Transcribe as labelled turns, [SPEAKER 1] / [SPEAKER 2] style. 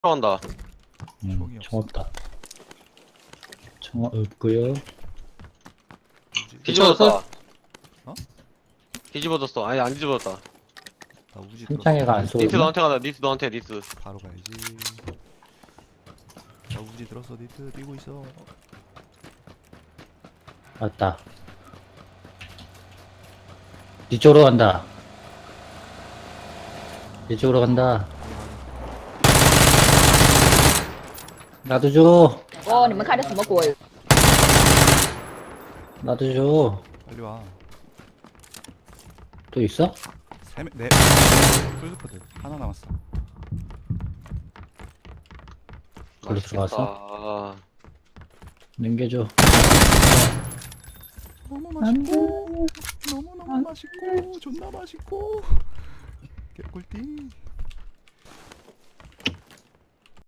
[SPEAKER 1] 들어간다.
[SPEAKER 2] 총이
[SPEAKER 3] 총 없다. 총 없고요.
[SPEAKER 2] 뭐지?
[SPEAKER 1] 뒤집어졌다.
[SPEAKER 2] 어?
[SPEAKER 1] 뒤집어졌어. 아니 안 뒤집어졌다.
[SPEAKER 2] 나 우지
[SPEAKER 3] 승창이가 안
[SPEAKER 1] 니스
[SPEAKER 3] 쏘나?
[SPEAKER 1] 너한테 가다. 니스 너한테 니스.
[SPEAKER 2] 바로 가야지. 나 우지 들었어. 니트 뛰고 있어.
[SPEAKER 3] 맞다. 뒤쪽으로 간다. 뒤쪽으로 간다. 나도 줘.
[SPEAKER 4] 哦，你们开的什么鬼？
[SPEAKER 3] 나도 줘.
[SPEAKER 2] 빨리 와.
[SPEAKER 3] 또 있어?
[SPEAKER 2] 네. 풀스포드 하나 남았어.
[SPEAKER 3] 걸로 들어갔어?
[SPEAKER 1] 아,
[SPEAKER 3] 넘겨줘.
[SPEAKER 2] 너무 맛있고 너무 맛있고 존나 맛있고 개꿀띠.